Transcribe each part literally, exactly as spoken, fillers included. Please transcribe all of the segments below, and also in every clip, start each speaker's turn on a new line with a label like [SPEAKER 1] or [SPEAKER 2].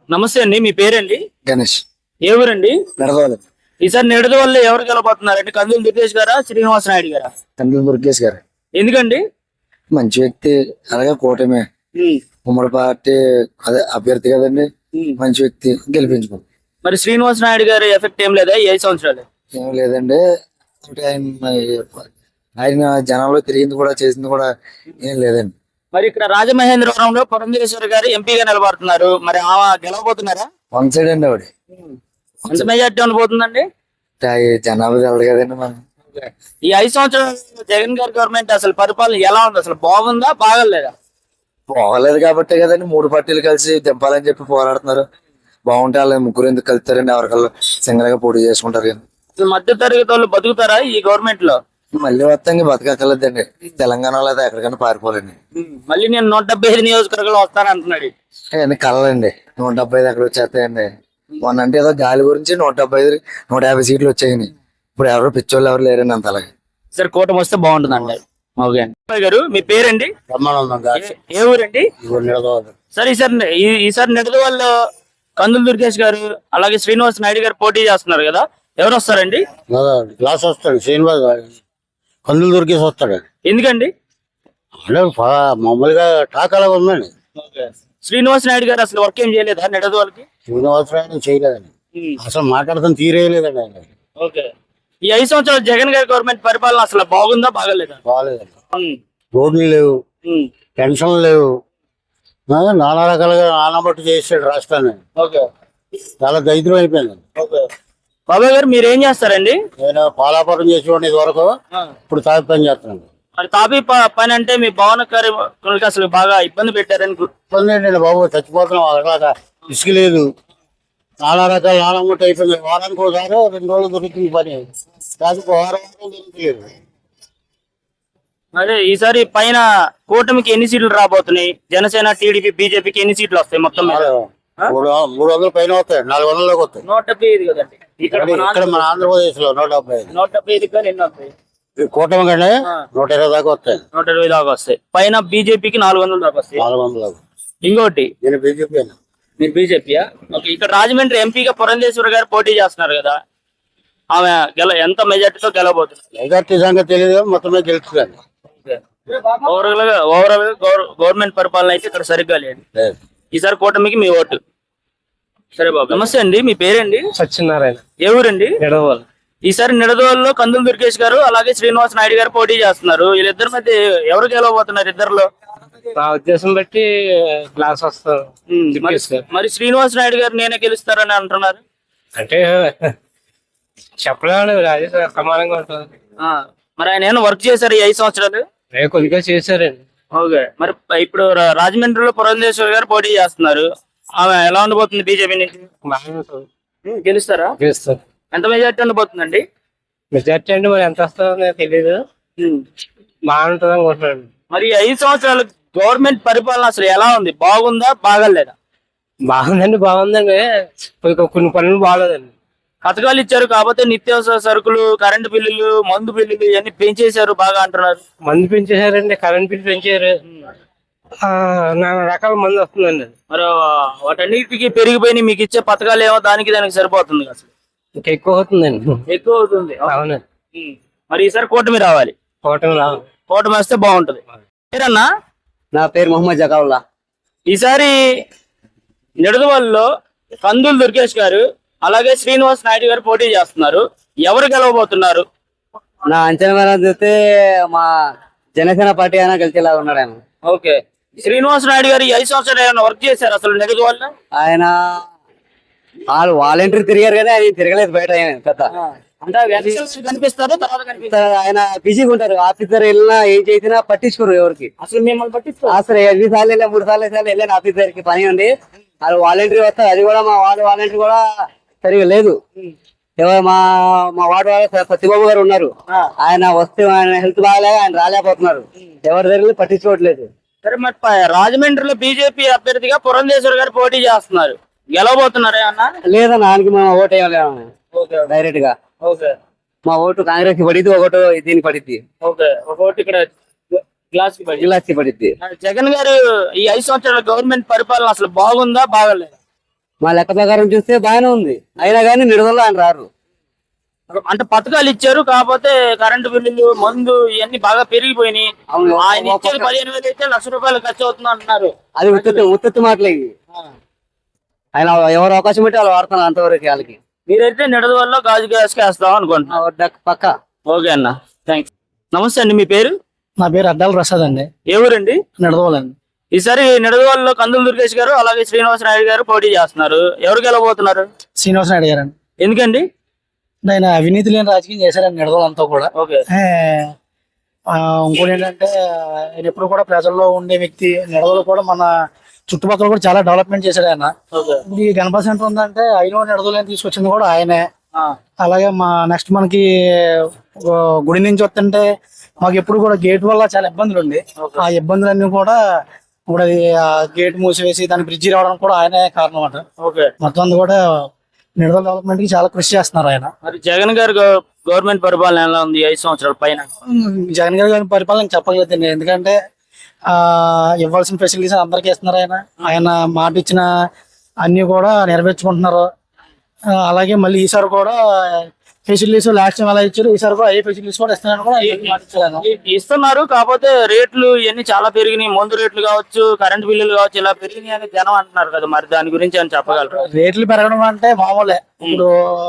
[SPEAKER 1] నమస్తే అండి, మీ పేరండి?
[SPEAKER 2] గణేష్.
[SPEAKER 1] ఏ ఊరండి?
[SPEAKER 2] నడవాలి.
[SPEAKER 1] ఈసారి నిడదవల్లి ఎవరు గెలబోతున్నారండి? కందులు దుర్గేష్ గారా, శ్రీనివాస నాయుడు గారా?
[SPEAKER 2] కందులు దుర్గేష్ గారు.
[SPEAKER 1] ఎందుకండి?
[SPEAKER 2] మంచి వ్యక్తి, అలాగే కూటమి ఉమ్మడి పార్టీ అదే అభ్యర్థి కదండి, మంచి వ్యక్తి, గెలిపించుకోండి.
[SPEAKER 1] మరి శ్రీనివాస నాయుడు గారి ఎఫెక్ట్ ఏం లేదా? ఐదు సంవత్సరాలు
[SPEAKER 2] ఏం లేదండి. ఆయన ఆయన జనంలో తిరిగింది కూడా చేసింది కూడా ఏం లేదండి.
[SPEAKER 1] మరి ఇక్కడ రాజమహేంద్రవరంలో పురంధేశ్వరి గారు ఎంపీగా నిలబడుతున్నారు, మరి ఆమె గెలవబోతున్నారా?
[SPEAKER 2] వన్ సైడ్ అండి ఆవిడ.
[SPEAKER 1] ఎంత మెజార్టీ ఉండబోతుందండి?
[SPEAKER 2] జనాభా తెలదు కదండి మనం.
[SPEAKER 1] ఈ ఐదు సంవత్సరాలు జగన్ గారి గవర్నమెంట్ అసలు పరిపాలన ఎలా ఉంది? అసలు బాగుందా, బాగలేదా?
[SPEAKER 2] బాగలేదు కాబట్టి కదండి మూడు పార్టీలు కలిసి దింపాలని చెప్పి పోరాడుతున్నారు. బాగుంటే వాళ్ళు ముగ్గురు ఎందుకు కలుతారండి? ఎవరికల్లా సింగల్ గా పోటీ చేసుకుంటారు కానీ.
[SPEAKER 1] అసలు మధ్య తరగతి వాళ్ళు బతుకుతారా ఈ గవర్నమెంట్ లో?
[SPEAKER 2] మళ్ళీ వస్తాం బతకలేదండి. తెలంగాణలో అయితే ఎక్కడికైనా పారిపోలేండి.
[SPEAKER 1] మళ్ళీ నేను నూట డెబ్బై ఐదు నియోజకవర్గాలు వస్తాను అంటున్నాడు.
[SPEAKER 2] అవన్నీ కలలండి. నూట డెబ్బై ఐదు ఎక్కడ వచ్చేస్తాయండి? మొన్న అంటే ఏదో గాలి గురించి నూట డెబ్బై ఐదు నూట యాభై సీట్లు వచ్చాయని. ఇప్పుడు ఎవరు పిచ్చోళ్ళు ఎవరు లేరండి అంత. అలాగే
[SPEAKER 1] సరే, కూటమి వస్తే బాగుంటుంది అంటారు. ఓకే గారు, మీ పేరండి? ఏ ఊరండి? సరే, ఈసారి ఈసారి నిడదవల్లో కందులు దుర్గేష్ గారు అలాగే శ్రీనివాస్ నాయుడు గారు పోటీ చేస్తున్నారు కదా, ఎవరు వస్తారండి?
[SPEAKER 3] క్లాస్ వస్తాడు శ్రీనివాస్, కందులు దుర్గేష్ వస్తాడు.
[SPEAKER 1] ఎందుకండి?
[SPEAKER 3] అంటే మామూలుగా టాక్ అలాగ ఉందండి.
[SPEAKER 1] శ్రీనివాస్ నాయుడు గారు అసలు వర్క్ ఏం చేయలేదా నిడదవల్కి?
[SPEAKER 3] శ్రీనివాస్ నాయుడు చేయలేదండి, అసలు మాట్లాడతాం తీరేయలేదండి ఆయన.
[SPEAKER 1] ఓకే, ఈ ఐదు సంవత్సరాలు జగన్ గారి గవర్నమెంట్ పరిపాలన అసలు బాగుందా, బాగలేదా?
[SPEAKER 3] బాగాలేదండి. రోడ్లు లేవు, పెన్షన్లు లేవు, నానా రకాలుగా నానబట్టు చేసాడు రాష్ట్రాన్ని. చాలా దరిద్రం అయిపోయింది.
[SPEAKER 1] బాబాయ్ గారు, మీరు ఏం చేస్తారండి?
[SPEAKER 3] నేను పాలాపురం చేసేవాడిని ఇది వరకు, ఇప్పుడు తాపి పని చేస్తున్నాను.
[SPEAKER 1] మరి తాపి పని అంటే మీ భవన కార్మికులకి అసలు బాగా ఇబ్బంది పెట్టారని.
[SPEAKER 3] ఇబ్బంది ఏంటండి బాబు, చచ్చిపోతున్నాం. అక్కడ ఇసుక లేదు, నానా రకాల నానబట్టు అయిపోయింది. వారానికి ఒకసారి రెండు రోజులు దొరుకుతుంది పని, కాదు వారం దొరుకుతలేదు.
[SPEAKER 1] అదే ఈసారి పైన కూటమికి ఎన్ని సీట్లు రాబోతున్నాయి? జనసేన, టీడీపీ, బీజేపీకి ఎన్ని సీట్లు వస్తాయి మొత్తం?
[SPEAKER 3] మూడు మూడు వందల పైన వస్తాయి, నాలుగు వందలలోకి వస్తాయి.
[SPEAKER 1] నూట డెబ్బై ఐదు కదండి
[SPEAKER 3] ఇక్కడ మన ఆంధ్రప్రదేశ్ లో. నూట డెబ్బై ఐదు
[SPEAKER 1] నూట డెబ్బై ఐదు కానీ ఎన్ని వస్తాయి?
[SPEAKER 3] కూటమి కంటే నూట ఇరవై దాకా వస్తాయి.
[SPEAKER 1] నూట ఇరవై దాకా వస్తాయి. పైన బీజేపీకి నాలుగు వందల దాకా వస్తాయి.
[SPEAKER 3] నాలుగు వందల
[SPEAKER 1] ఇంకోటి,
[SPEAKER 3] నేను బీజేపీ.
[SPEAKER 1] మీరు బీజేపీయా? ఓకే, ఇక్కడ రాజమండ్రి ఎంపీగా పురంధేశ్వరి గారు పోటీ చేస్తున్నారు కదా, ఆమె గెల ఎంత మెజార్టీతో గెలవబోతున్నారు?
[SPEAKER 3] మెజార్టీ సంగతి తెలియదు, మొత్తమే గెలుస్తుంది.
[SPEAKER 1] ఓవరాల్ గా ఓవరాల్ గవర్నమెంట్ పరిపాలన అయితే ఇక్కడ సరిగ్గా లేదు. ఈసారి కూటమికి మీ ఓటు. సరే బాబు, నమస్తే అండి, మీ పేరండి?
[SPEAKER 4] సత్యనారాయణ.
[SPEAKER 1] ఏ ఊరండి?
[SPEAKER 4] నిడదవోలు.
[SPEAKER 1] ఈసారి నిడదవోలులో కందులు దుర్గేష్ గారు అలాగే శ్రీనివాస్ నాయుడు గారు పోటీ చేస్తున్నారు. వీళ్ళిద్దరి మధ్య ఎవరు గెలవబోతున్నారు? ఇద్దరులో
[SPEAKER 4] నా ఉద్దేశం బట్టి క్లాస్ వస్తారు.
[SPEAKER 1] మరి శ్రీనివాస్ నాయుడు గారు నేనే గెలుస్తారని అంటున్నారు.
[SPEAKER 4] అంటే చెప్పలేము, రాజే సమానంగా ఉంటుంది.
[SPEAKER 1] మరి ఆయన ఏమైనా వర్క్ చేశారు ఈ ఐదు సంవత్సరాలు?
[SPEAKER 4] కొద్దిగా చేశారండి.
[SPEAKER 1] ఓకే, మరి ఇప్పుడు రాజమండ్రిలో పురంధేశ్వరి గారు పోటీ చేస్తున్నారు, ఆమె ఎలా ఉండబోతుంది? బీజేపీ నుంచి గెలుస్తారా?
[SPEAKER 4] గెలుస్తారు.
[SPEAKER 1] ఎంత మెజార్టీ ఉండబోతుందండి?
[SPEAKER 4] మెజార్టీ అంటే మరి ఎంత వస్తుందో తెలియదు, బాగుంటుంది అనుకుంటున్నాను.
[SPEAKER 1] మరి ఐదు సంవత్సరాలు గవర్నమెంట్ పరిపాలన అసలు ఎలా ఉంది? బాగుందా, బాగలేదా?
[SPEAKER 4] బాగుందండి, బాగుందండి. కొన్ని పనులు బాగలేదండి.
[SPEAKER 1] పథకాలు ఇచ్చారు కాకపోతే నిత్యావసర సరుకులు, కరెంటు బిల్లులు, మందు బిల్లులు ఇవన్నీ పెంచేశారు బాగా అంటున్నారు.
[SPEAKER 4] మందు పెంచేశారండి, కరెంట్ బిల్లు పెంచారు, నానా రకాల మందు వస్తుందండి.
[SPEAKER 1] మరి వాటన్నిటికీ పెరిగిపోయి మీకు ఇచ్చే పథకాలు ఏమో దానికి దానికి సరిపోతుంది అసలు?
[SPEAKER 4] ఇంకా ఎక్కువ అవుతుందండి.
[SPEAKER 1] ఎక్కువ అవుతుంది.
[SPEAKER 4] అవునండి.
[SPEAKER 1] మరి ఈసారి కూటమి రావాలి.
[SPEAKER 4] కూటమి రావాలి.
[SPEAKER 1] కూటమి వస్తే బాగుంటది. పేరన్నా?
[SPEAKER 2] నా పేరు మొహమ్మద్ జకావుల్లా.
[SPEAKER 1] ఈసారి నిడదవల్లో కందులు దుర్గేష్ గారు అలాగే శ్రీనివాస్ నాయుడు గారు పోటీ చేస్తున్నారు, ఎవరు గెలవబోతున్నారు?
[SPEAKER 2] నా అంచనా చూస్తే మా జనసేన పార్టీ అయినా గెలిచేలా ఉన్నాడు ఆయన.
[SPEAKER 1] ఓకే, శ్రీనివాస్ నాయుడు గారు ఈ ఐదు సంవత్సరాలు ఏమైనా వర్క్ చేశారు అసలు నిడదవల్లో?
[SPEAKER 2] ఆయన వాళ్ళు వాలంటీర్ తిరిగారు కదా, ఆయన తిరగలేదు బయట. పెద్ద
[SPEAKER 1] కనిపిస్తారు, తర్వాత కనిపిస్తారు.
[SPEAKER 2] ఆయన బిజీగా ఉంటారు. ఆఫీసర్ వెళ్ళినా ఏం చేసినా పట్టించుకోరు ఎవరికి.
[SPEAKER 1] అసలు మిమ్మల్ని పట్టించుకోరు.
[SPEAKER 2] అసలు ఎన్ని సార్లు వెళ్ళా, మూడు సార్లు సార్లు వెళ్ళాను ఆఫీసర్ కి, పని ఉంది. వాళ్ళు వాలంటీర్ వస్తారు, అది కూడా మా వార్డు వాలంటీర్ కూడా సరిగా లేదు. ఎవరు మా మా వార్డు వాళ్ళ సత్యబాబు గారు ఉన్నారు, ఆయన వస్తే ఆయన హెల్త్ బాగాలేక ఆయన రాలేకపోతున్నారు. ఎవరి దగ్గర పట్టించుకోవట్లేదు.
[SPEAKER 1] సరే, మరి రాజమండ్రిలో బీజేపీ అభ్యర్థిగా పురంధేశ్వరి గారు పోటీ చేస్తున్నారు, గెలవబోతున్నారా అన్న?
[SPEAKER 2] లేదన్న, ఆయనకి మా ఓటు వేయాలి డైరెక్ట్ గా. మా ఓటు కాంగ్రెస్ కి పడిద్ది, ఒకటి దీనికి పడిద్ది.
[SPEAKER 1] ఒకటి ఇక్కడ గ్లాస్ కి పడి
[SPEAKER 2] గ్లాస్ కి పడిద్ది.
[SPEAKER 1] జగన్ గారు ఈ ఐదు సంవత్సరాల గవర్నమెంట్ పరిపాలన అసలు బాగుందా, బాగలేదా?
[SPEAKER 2] మా లెక్క ప్రకారం చూస్తే బాగానే ఉంది, అయినా కానీ నిడుదల ఆయన రారు.
[SPEAKER 1] అంటే పథకాలు ఇచ్చారు, కాకపోతే కరెంటు బిల్లులు, మందు ఇవన్నీ బాగా పెరిగిపోయినాయి.
[SPEAKER 2] అవును.
[SPEAKER 1] ఆయన ఇచ్చేది పదిహేను వేలు అయితే లక్ష రూపాయలు ఖర్చు అవుతుంది అంటున్నారు.
[SPEAKER 2] అది ఉత్తి ఉత్తి మాటలే ఇవి. ఆయన ఎవరు అవకాశం పెట్టి వాళ్ళు వాడుతున్నారు అంతవరకు వాళ్ళకి.
[SPEAKER 1] మీరైతే నిడదవల్లో గాజు గ్యాస్ వేస్తాం అనుకుంటున్నా.
[SPEAKER 2] పక్క.
[SPEAKER 1] ఓకే అన్న, థ్యాంక్స్. నమస్తే అండి, మీ పేరు?
[SPEAKER 5] నా పేరు అడ్డాల ప్రసాద్ అండి,
[SPEAKER 1] ఏ ఊరండి?
[SPEAKER 5] నిడదవోలండి.
[SPEAKER 1] ఈసారి నిడదవల్లో కందుల దుర్గేష్ గారు అలాగే శ్రీనివాస నాయుడు గారు పోటీ చేస్తున్నారు. ఎవరు గెలవబోతున్నారు?
[SPEAKER 5] శ్రీనివాస నాయుడు గారు అండి.
[SPEAKER 1] ఎందుకండి?
[SPEAKER 5] ఆయన అవినీతి లేని రాజకీయం చేశారండి నిడదవోలంతా కూడా.
[SPEAKER 1] ఓకే.
[SPEAKER 5] ఏ, ఆ, ఇంకోటి ఏంటంటే ఆయన ఎప్పుడు కూడా ప్రజల్లో ఉండే వ్యక్తి. నిడదవోలు కూడా మన చుట్టుపక్కల కూడా చాలా డెవలప్మెంట్ చేశాడు ఆయన. ఇప్పుడు ఈ గణపతి సెంటర్ ఉందంటే ఆయన నిడదవోలు తీసుకొచ్చింది కూడా ఆయనే. అలాగే మా నెక్స్ట్ మనకి గుడి నుంచి వస్తుంటే మాకు ఎప్పుడు కూడా గేట్ వల్ల చాలా ఇబ్బందులు ఉంది. ఆ ఇబ్బందులన్నీ కూడా ఇప్పుడు అది ఆ గేట్ మూసివేసి దాని బ్రిడ్జి రావడం కూడా ఆయనే కారణం అంట. మొత్తం అంతా కూడా నిడదవోలు డెవలప్మెంట్ కి చాలా కృషి చేస్తున్నారు ఆయన.
[SPEAKER 1] మరి జగన్ గారు గవర్నమెంట్ పరిపాలన ఎలా ఉంది ఐదు సంవత్సరాల పైన?
[SPEAKER 5] జగన్ గారి గారి పరిపాలన చెప్పగలుగుతుంది, ఎందుకంటే ఆ ఇవ్వాల్సిన ఫెసిలిటీస్ అందరికీ ఇస్తున్నారు ఆయన. ఆయన మాట ఇచ్చిన అన్ని కూడా నెరవేర్చుకుంటున్నారు. ఆ, అలాగే మళ్ళీ ఈసారి కూడా ఫెసిలిటీస్ లాస్ట్ టైం ఎలా ఇచ్చారు, ఈసారి కూడా ఏ ఫెసిలిటీస్ కూడా ఇస్తున్నారని కూడా మాట ఇచ్చారు.
[SPEAKER 1] ఇ- ఇస్తున్నారు, కాకపోతే రేట్లు ఇవన్నీ చాలా పెరిగినాయి. మందు రేట్లు కావచ్చు, కరెంట్ బిల్లులు కావచ్చు, ఇలా పెరిగినాయి అని జనం అంటున్నారు కదా. మరి దాని గురించి అని చెప్పగలరు?
[SPEAKER 5] రేట్లు పెరగడం అంటే మామూలే. ఇప్పుడు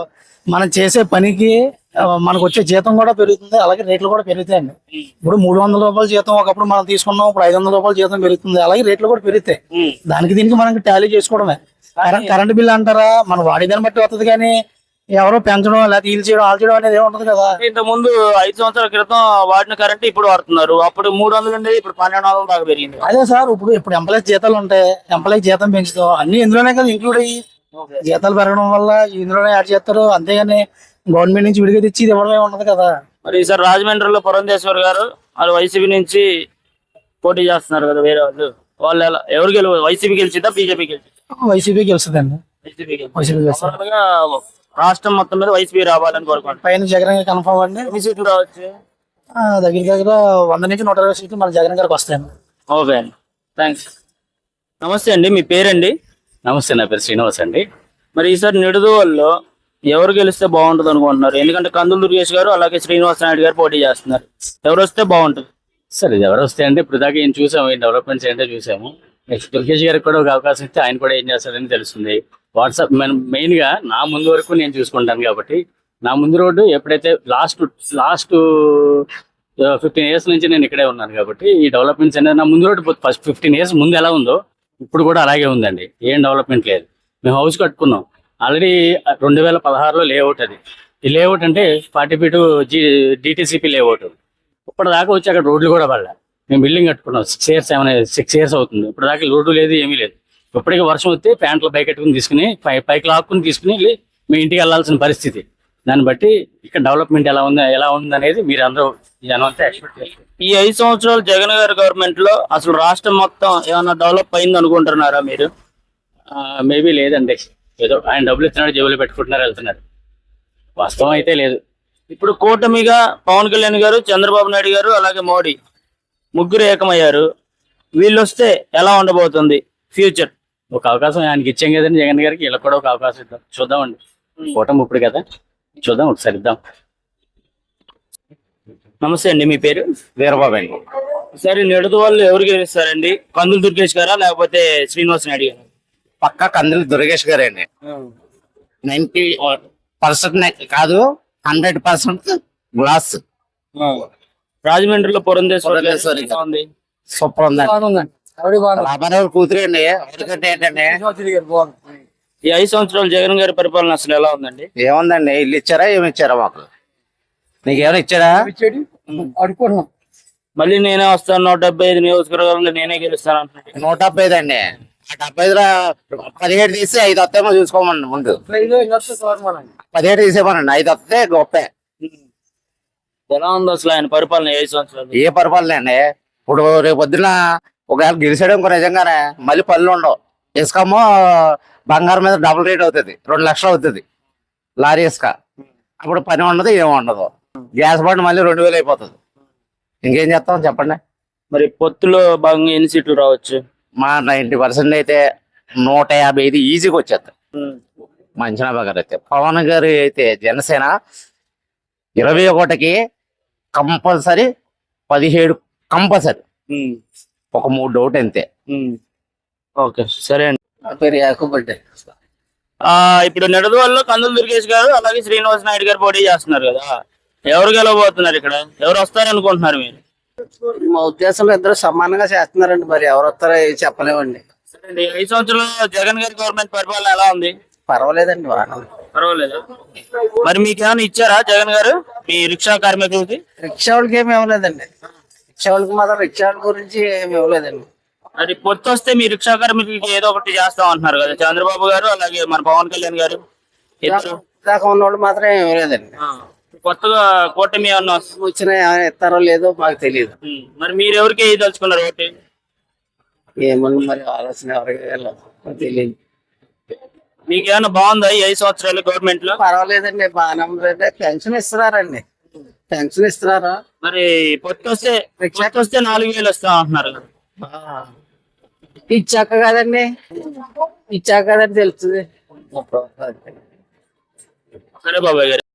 [SPEAKER 5] మనం చేసే పనికి ఆ, మనకు వచ్చే జీతం కూడా పెరుగుతుంది, అలాగే రేట్లు కూడా పెరుగుతాయండి. ఇప్పుడు మూడు వందల రూపాయల జీతం ఒకప్పుడు మనం తీసుకున్నాం, ఇప్పుడు ఐదు వందల రూపాయల జీతం పెరుగుతుంది, అలాగే రేట్లు కూడా పెరుగుతాయి. దానికి దీనికి మనకి టాలీ చేసుకోవడమే. కరెంట్ కరెంట్ బిల్ అంటారా, మనం వాడేదాన్ని బట్టి వస్తుంది, కానీ ఎవరో పెంచడం లేకపోతే ఈల్ చేయడం ఆల్ చేయడం అనేది ఏముంటది కదా.
[SPEAKER 1] ఇంత ముందు ఐదు సంవత్సరాల క్రితం వాడిన కరెంట్ ఇప్పుడు వాడుతున్నారు. అప్పుడు మూడు వందలు ఉండేది, ఇప్పుడు పన్నెండు వందల దాకా పెరిగింది.
[SPEAKER 5] అదే సార్, ఇప్పుడు ఇప్పుడు ఎంప్లాయీస్ జీతాలు ఉంటాయి, ఎంప్లాయీ జీతం పెంచుతాం, అన్ని ఇందులోనే కదా ఇంక్లూడ్ అయ్యి. జీతాలు పెరగడం వల్ల ఇందులోనే యాడ్ చేస్తారు, అంతేగాని గవర్నమెంట్ నుంచి విడిగా తెచ్చి ఇది ఇవ్వడమే ఉండదు కదా.
[SPEAKER 1] మరి ఈసారి రాజమండ్రిలో పురంధేశ్వర్ గారు వాళ్ళు వైసీపీ నుంచి పోటీ చేస్తున్నారు కదా వేరే వాళ్ళు. వాళ్ళు ఎలా ఎవరు గెలు వైసీపీ గెలిచిద్దా బీజేపీ గెలిచిద్దా?
[SPEAKER 5] వైసీపీ గెలుస్తుందండి.
[SPEAKER 1] వైసీపీ
[SPEAKER 5] వైసీపీ గెలుస్తుంది.
[SPEAKER 1] గెలుస్తుందిగా. రాష్ట్రం మొత్తం మీద వైసీపీ రావాలని కోరుకుంటున్నాను.
[SPEAKER 5] పైన జగన్ గారికి కన్ఫర్మ్ అండి.
[SPEAKER 1] ఎన్ని సీట్లు రావచ్చు?
[SPEAKER 5] ఆ, దగ్గర దగ్గర వంద నుంచి నూట ఇరవై సీట్లు మన జగన్ గారికి వస్తాయండి.
[SPEAKER 1] ఓకే అండి, థ్యాంక్స్. నమస్తే అండి, మీ పేరండి?
[SPEAKER 6] నమస్తే, నా పేరు శ్రీనివాస్ అండి.
[SPEAKER 1] మరి ఈసారి నిడదవోల్లో ఎవరు గెలిస్తే బాగుంటుంది అనుకుంటున్నారు? ఎందుకంటే కందుల దుర్గేష్ గారు అలాగే శ్రీనివాస నాయుడు గారు పోటీ చేస్తున్నారు. ఎవరు వస్తే బాగుంటుంది?
[SPEAKER 6] సరే, ఇది ఎవరు వస్తే అంటే ఇప్పుడు దాకా ఏం చూసాము, ఈ డెవలప్మెంట్స్ ఏంటో చూసాము. నెక్స్ట్ దుర్గేష్ గారికి కూడా ఒక అవకాశం ఇస్తే ఆయన కూడా ఏం చేస్తారని తెలుస్తుంది. వాట్సాప్ మనం మెయిన్ గా నా ముందు వరకు నేను చూసుకుంటాను కాబట్టి, నా ముందు రోడ్డు ఎప్పుడైతే లాస్ట్ లాస్ట్ ఫిఫ్టీన్ ఇయర్స్ నుంచి నేను ఇక్కడే ఉన్నాను కాబట్టి ఈ డెవలప్మెంట్స్ అనేది నా ముందు రోడ్డు ఫస్ట్ ఫిఫ్టీన్ ఇయర్స్ ముందు ఎలా ఉందో ఇప్పుడు కూడా అలాగే ఉందండి. ఏం డెవలప్మెంట్ లేదు. మేము హౌస్ కట్టుకున్నాం ఆల్రెడీ రెండు వేల పదహారులో లేఅవుట్. అది ఈ లేఅవుట్ అంటే ఫార్టీ ఫీట్ జీ డిటిసిపి లేఅవుట్. ఇప్పటిదాకా వచ్చి అక్కడ రోడ్లు కూడా పడలే. మేము బిల్డింగ్ కట్టుకున్నాం సిక్స్ ఇయర్స్ ఏమైనా సిక్స్ ఇయర్స్ అవుతుంది. ఇప్పుడు దాకా రోడ్డు లేదు, ఏమీ లేదు. ఇప్పటికీ వర్షం వస్తే ప్యాంట్లు పైకి కట్టుకుని తీసుకుని పై పైకి లాక్కుని తీసుకుని వెళ్ళి మీ ఇంటికి వెళ్ళాల్సిన పరిస్థితి. దాన్ని బట్టి ఇక్కడ డెవలప్మెంట్ ఎలా ఉంది ఎలా ఉంది అనేది మీరు అందరూ జనం అంతా ఎక్స్పెక్ట్ చేస్తారు.
[SPEAKER 1] ఈ ఐదు సంవత్సరాలు జగన్ గారి గవర్నమెంట్ లో అసలు రాష్ట్రం మొత్తం ఏమైనా డెవలప్ అయింది అనుకుంటున్నారా మీరు?
[SPEAKER 6] మేబీ లేదండి, ఏదో ఆయన డబ్బులు ఇస్తున్నాడు, జేబులు పెట్టుకుంటున్నారు, వెళ్తున్నారు. వాస్తవం అయితే లేదు.
[SPEAKER 1] ఇప్పుడు కూటమిగా పవన్ కళ్యాణ్ గారు, చంద్రబాబు నాయుడు గారు అలాగే మోడీ ముగ్గురు ఏకమయ్యారు. వీళ్ళు వస్తే ఎలా ఉండబోతుంది ఫ్యూచర్?
[SPEAKER 6] ఒక అవకాశం ఆయనకి ఇచ్చాం కదండి జగన్ గారికి, వీళ్ళకి కూడా ఒక అవకాశం ఇద్దాం, చూద్దామండి. కూటమి ఇప్పుడు కదా, చూద్దాం, ఒకసారి ఇద్దాం.
[SPEAKER 1] నమస్తే అండి, మీ పేరు?
[SPEAKER 3] వీరబాబు అండి.
[SPEAKER 1] సరే, నిడదవోలు ఎవరు గెలుస్తారండి? కందుల దుర్గేష్ గారా లేకపోతే శ్రీనివాస నాయుడు గారు?
[SPEAKER 3] పక్క కందులు దుర్గేష్ గారు అండి. నైన్టీ పర్సెంట్ కాదు, హండ్రెడ్ పర్సెంట్ గ్లాస్.
[SPEAKER 1] రాజమండ్రిలో పురంధేశ్వరి
[SPEAKER 3] పురంధేశ్వరి
[SPEAKER 1] ఎలా ఉంది?
[SPEAKER 3] సూపర్ ఉందండి. రామారావు కూతురు అండి. ఎందుకంటే ఏంటంటే
[SPEAKER 1] ఈ ఐదు సంవత్సరాలు జగన్ గారి పరిపాలన అసలు ఎలా ఉందండి?
[SPEAKER 3] ఏముందండి, ఇల్లు ఇచ్చారా ఏమి ఇచ్చారా మాకు? నీకేమైనా ఇచ్చారా?
[SPEAKER 5] అడుగుతున్నాం.
[SPEAKER 1] మళ్ళీ నేనే వస్తాను, నూట డెబ్బై ఐదు నియోజకవర్గాల్లో నేనే గెలుస్తాను అంటున్నాడు.
[SPEAKER 3] నూట డెబ్బై ఐదు అండి. ఆ డెబ్బై ఐదులో పదిహేడు తీసి ఐదు వస్తాయేమో చూసుకోమండి. ముందు పదిహేడు తీసేమనండి, ఐదు వస్తే గొప్పే.
[SPEAKER 1] ఎలా ఉంది అసలు ఆయన పరిపాలన ఐదు సంవత్సరాలు?
[SPEAKER 3] ఏ పరిపాలన అండి? ఇప్పుడు రేపు పొద్దున ఒకవేళ గెలిచాడు ఇంకో నిజంగానే మళ్ళీ పనులు ఉండవు. ఇసుకమో బంగారం మీద డబుల్ రేట్ అవుతుంది, రెండు లక్షలు అవుతుంది లారీ ఇసుక. అప్పుడు పని ఉండదు, ఏమి ఉండదు. గ్యాస్ బండ్ మళ్ళీ రెండు వేలు అయిపోతుంది. ఇంకేం చేస్తాం చెప్పండి.
[SPEAKER 1] మరి పొత్తులో భాగంగా ఎన్ని సీట్లు రావచ్చు?
[SPEAKER 3] మా నైన్టీ పర్సెంట్ అయితే నూట యాభై ఐదు ఈజీగా వచ్చేస్తాయి.
[SPEAKER 1] ఉమ్.
[SPEAKER 3] మంచినాబా గారు అయితే పవన్ గారు అయితే జనసేన ఇరవై ఒకటికి కంపల్సరీ పదిహేడు కంపల్సరీ
[SPEAKER 1] ఉమ్.
[SPEAKER 3] ఒక మూడు డౌట్ అంతే.
[SPEAKER 1] ఉమ్. ఓకే సరే అండి.
[SPEAKER 2] నా పేరు యాకూబ్ అండి.
[SPEAKER 1] ఆ ఇప్పుడు నిడదవల్లో కందులు దుర్గేష్ గారు అలాగే శ్రీనివాస్ నాయుడు గారు పోటీ చేస్తున్నారు కదా, ఎవరు గెలవబోతున్నారు ఇక్కడ, ఎవరు వస్తారనుకుంటున్నారు మీరు?
[SPEAKER 2] మా ఉద్దేశంలో ఇద్దరు సమానంగా చేస్తున్నారండి, మరి ఎవరు వస్తారో ఏం చెప్పలేమండి.
[SPEAKER 1] సరే అండి, ఐదు సంవత్సరాలు జగన్ గారి గవర్నమెంట్ పరిపాలన ఎలా ఉంది?
[SPEAKER 2] పర్వాలేదండి, బాగా
[SPEAKER 1] పర్వాలేదు. మరి మీకు ఏమైనా ఇచ్చారా జగన్ గారు మీ రిక్షా కార్మికులకి?
[SPEAKER 2] రిక్షా వాళ్ళకి ఏమి ఇవ్వలేదండి. రిక్షా వాళ్ళకి మాత్రం రిక్షా వాళ్ళ గురించి ఏమి ఇవ్వలేదండి.
[SPEAKER 1] మరి పొత్తు వస్తే మీ రిక్షా కార్మికులకి ఏదో ఒకటి చేస్తాం అంటున్నారు కదా చంద్రబాబు గారు అలాగే మన పవన్ కళ్యాణ్ గారు ఇద్దరు.
[SPEAKER 2] దాకా ఉన్నవాళ్ళు మాత్రం ఏమి ఇవ్వలేదండి.
[SPEAKER 1] ఆ, కొత్తగా కూటమి ఏమన్నా వస్తుంది?
[SPEAKER 2] వచ్చినా ఏమైనా ఇస్తారో లేదో మాకు తెలియదు.
[SPEAKER 1] ఉమ్. మరి మీరు ఎవరికి వేయదలుచుకున్నారు ఓటు?
[SPEAKER 2] ఏమన్నా మరి ఆలోచన ఎవరికి వెళ్ళదు తెలియదు.
[SPEAKER 1] మీకు ఏమైనా బాగుందా ఈ ఐదు సంవత్సరాలు గవర్నమెంట్ లో?
[SPEAKER 2] పర్వాలేదండి, బాగానే ఉందండి. పెన్షన్ ఇస్తున్నారండి, పెన్షన్ ఇస్తున్నారా?
[SPEAKER 1] మరి పొత్తు వస్తే పొత్తు వస్తే నాలుగు వేలు వస్తాం అంటున్నారు కదా.
[SPEAKER 2] ఇచ్చాక కదండి, ఇచ్చాక కదండి తెలుస్తుంది.
[SPEAKER 1] సరే బాబాయ్ గారు.